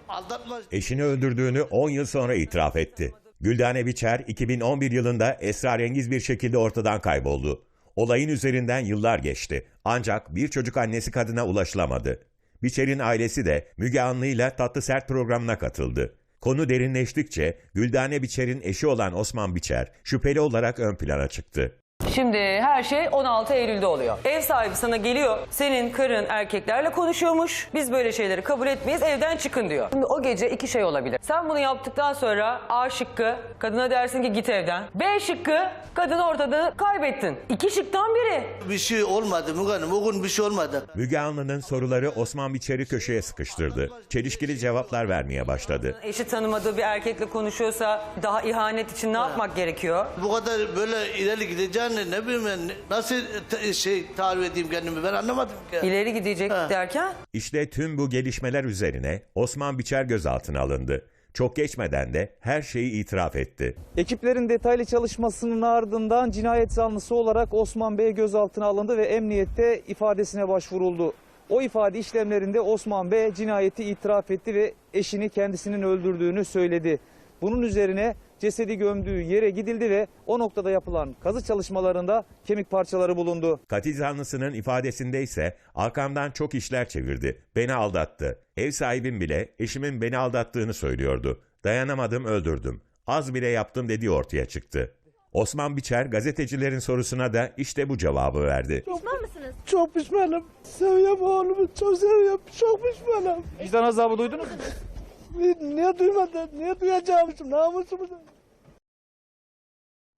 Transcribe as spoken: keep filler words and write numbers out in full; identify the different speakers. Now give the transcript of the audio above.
Speaker 1: Aldatma.
Speaker 2: Eşini öldürdüğünü on yıl sonra itiraf etti. Güldane Biçer iki bin on bir yılında esrarengiz bir şekilde ortadan kayboldu. Olayın üzerinden yıllar geçti. Ancak bir çocuk annesi kadına ulaşılamadı. Biçer'in ailesi de Müge Anlı'yla Tatlı Sert programına katıldı. Konu derinleştikçe Güldane Biçer'in eşi olan Osman Biçer şüpheli olarak ön plana çıktı.
Speaker 3: Şimdi her şey on altı Eylül'de oluyor. Ev sahibi sana geliyor, senin karın erkeklerle konuşuyormuş. Biz böyle şeyleri kabul etmeyiz, evden çıkın diyor. Şimdi o gece iki şey olabilir. Sen bunu yaptıktan sonra A şıkkı, kadına dersin ki git evden. B şıkkı, kadını ortada kaybettin. İki şıktan biri.
Speaker 1: Bir şey olmadı Müge Hanım. O gün bir şey olmadı.
Speaker 2: Müge Anlı'nın soruları Osman Biçer'i köşeye sıkıştırdı. Çelişkili cevaplar vermeye başladı.
Speaker 3: Eşi tanımadığı bir erkekle konuşuyorsa daha ihanet için ne yapmak gerekiyor?
Speaker 1: Bu kadar böyle ileri gideceğini ne bileyim ben, nasıl te- şey tarif edeyim kendimi ben anlamadım ki.
Speaker 3: İleri gidecek
Speaker 1: Ha.
Speaker 3: derken?
Speaker 2: İşte tüm bu gelişmeler üzerine Osman Biçer gözaltına alındı. Çok geçmeden de her şeyi itiraf etti.
Speaker 4: Ekiplerin detaylı çalışmasının ardından cinayet zanlısı olarak Osman Bey gözaltına alındı ve emniyette ifadesine başvuruldu. O ifade işlemlerinde Osman Bey cinayeti itiraf etti ve eşini kendisinin öldürdüğünü söyledi. Bunun üzerine cesedi gömdüğü yere gidildi ve o noktada yapılan kazı çalışmalarında kemik parçaları bulundu.
Speaker 2: Katil zanlısının ifadesinde ise arkamdan çok işler çevirdi. Beni aldattı. Ev sahibim bile eşimin beni aldattığını söylüyordu. Dayanamadım, öldürdüm. Az bile yaptım dediği ortaya çıktı. Osman Biçer gazetecilerin sorusuna da işte bu cevabı verdi.
Speaker 5: Pişman mısınız?
Speaker 1: Çok pişmanım. Seviyorum oğlumu, çok seviyorum. Çok pişmanım.
Speaker 4: Vicdan azabı duydunuz mu?
Speaker 1: Niye duymadım? Niye duyacağım şimdi? Namusumuz.